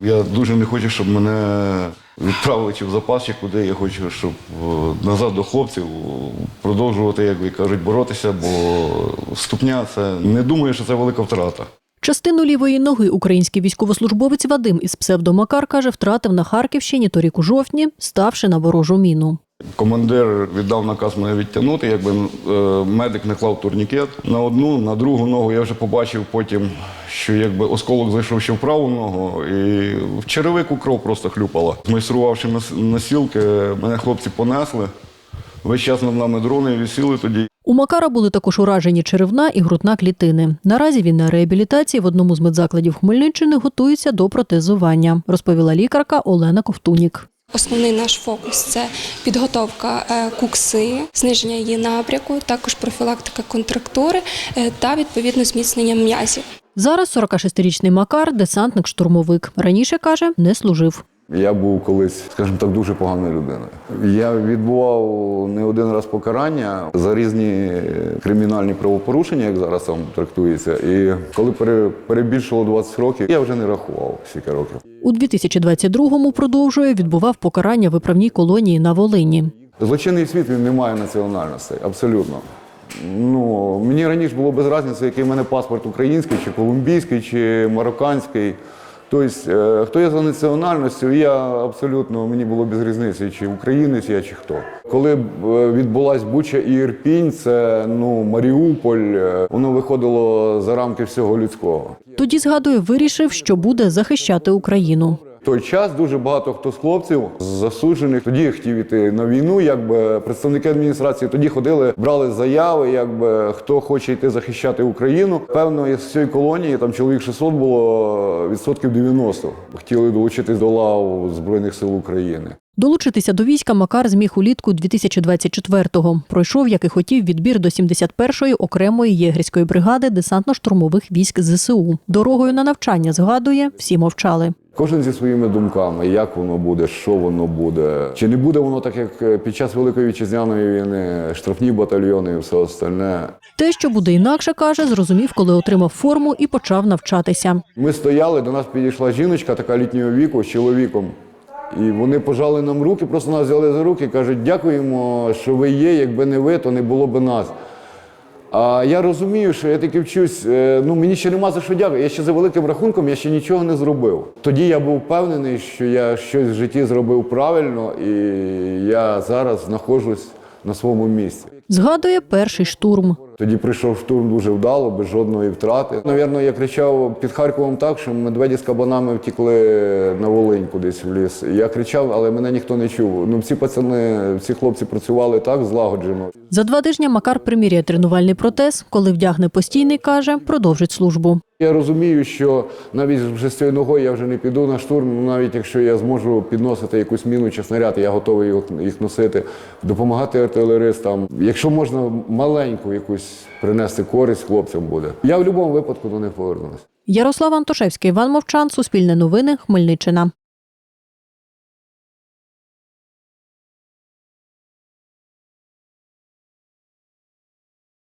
Я дуже не хочу, щоб мене відправили чи в запас, чи куди. Я хочу, щоб назад до хлопців продовжувати, як ви кажуть, боротися, бо ступня – це не думаю, що це велика втрата. Частину лівої ноги український військовослужбовець Вадим із псевдо Макар, каже, втратив на Харківщині торік у жовтні, ставши на ворожу міну. Командир віддав наказ мене відтягнути, якби медик не клав турнікет на одну, на другу ногу. Я вже побачив потім, що якби осколок зайшов ще в праву ногу, і в черевику кров просто хлюпала. Змайструвавши носілки, мене хлопці понесли. Весь час над нами дрони висіли тоді. У Макара були також уражені черевна і грудна клітини. Наразі він на реабілітації в одному з медзакладів Хмельниччини готується до протезування, розповіла лікарка Олена Ковтунік. Основний наш фокус – це підготовка кукси, зниження її набряку, також профілактика контрактури та, відповідно, зміцнення м'язів. Зараз 46-річний Макар – десантник-штурмовик. Раніше, каже, не служив. Я був колись, скажімо так, дуже поганою людиною. Я відбував не один раз покарання за різні кримінальні правопорушення, як зараз там трактується. І коли перебільшило 20 років, я вже не рахував скільки років. У 2022-му, продовжує, відбував покарання в виправній колонії на Волині. Злочинний світ, він не має національності, абсолютно. Мені раніше було без різниці, який в мене паспорт український, чи колумбійський, чи марокканський. Тобто, хто я за національністю, мені було без різниці, чи українець я, чи хто. Коли відбулась Буча і Ірпінь, це Маріуполь, воно виходило за рамки всього людського. Тоді, згадує, вирішив, що буде захищати Україну. В той час дуже багато хто з хлопців засуджених тоді хотів іти на війну, представники адміністрації тоді ходили, брали заяви, хто хоче йти захищати Україну. Певно, з цієї колонії, там чоловік 600 було, відсотків 90 хотіли долучитись до лав Збройних сил України. Долучитися до війська Макар зміг улітку 2024-го. Пройшов, як і хотів, відбір до 71-ї окремої єгерської бригади десантно-штурмових військ ЗСУ. Дорогою на навчання, згадує, всі мовчали. Кожен зі своїми думками, як воно буде, що воно буде. Чи не буде воно так, як під час Великої Вітчизняної війни, штрафні батальйони і все остальне. Те, що буде інакше, каже, зрозумів, коли отримав форму і почав навчатися. Ми стояли, до нас підійшла жіночка, така літнього віку, з чоловіком. І вони пожали нам руки, просто нас взяли за руки, кажуть, дякуємо, що ви є, якби не ви, то не було б нас. А я розумію, що я таки вчусь, мені ще нема за що дякувати. Я ще за великим рахунком, я ще нічого не зробив. Тоді я був впевнений, що я щось в житті зробив правильно, і я зараз знаходжусь на своєму місці. Згадує перший штурм. Тоді прийшов штурм дуже вдало, без жодної втрати. Навірно, я кричав під Харковом так, що медведі з кабанами втекли на Волинь кудись в ліс. Я кричав, але мене ніхто не чув. Ці хлопці працювали так злагоджено. За 2 тижні Макар приміряє тренувальний протез. Коли вдягне постійний, каже, продовжить службу. Я розумію, що навіть вже з цією ногою я вже не піду на штурм, навіть якщо я зможу підносити якусь міну чи снаряд, я готовий їх носити, допомагати артилеристам. Якщо можна маленьку якусь принести користь хлопцям буде. Я в будь-якому випадку до них повернусь. Ярослав Антошевський, Іван Мовчан, Суспільне новини, Хмельниччина.